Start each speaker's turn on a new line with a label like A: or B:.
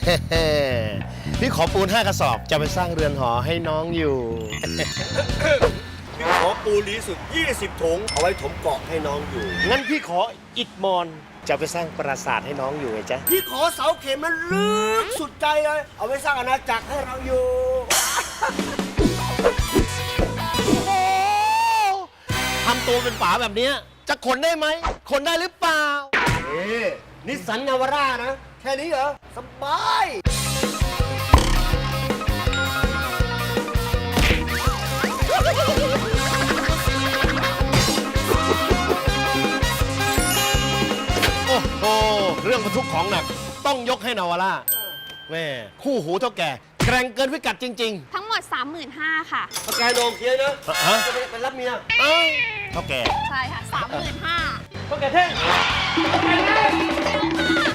A: พี่ขอปูน5 กระสอบจะไปสร้างเรือนหอให้น้องอยู่
B: ขอปูลีสุด20 ถุงเอาไว้ถมเกาะให้น้องอยู่
A: งั้นพี่ขออิฐมอนจะไปสร้างปราสาทให้น้องอยู่ไงจ๊ะ
B: พี่ขอเสาเข็มมันลึกสุดใจเลย เอาไว้สร้างอาณาจักรให้เราอยู่
A: ทำตัวเป็นป๋าแบบเนี้ยจะขนได้ไหมขนได้หรือเปล่า
B: นิสสันนาวาร่านะ แค่นี้เหรอ สบาย
A: โอ้โห เรื่องบรรทุกของหนักต้องยกให้นาวาร่าแม่คู่หูเท่าแก่แกร่งเกินพิกัดจริง
C: ทั้งหมด 35,000ค่ะ
B: ถ้าแกโดนเคลียร์นะ
A: ฮะ
B: จะไปรับเมีย
A: ๆ เอ้าเท่าแก่
C: ใช่ค่ะ 35,000
B: ก็แกเท่ง
C: 35,000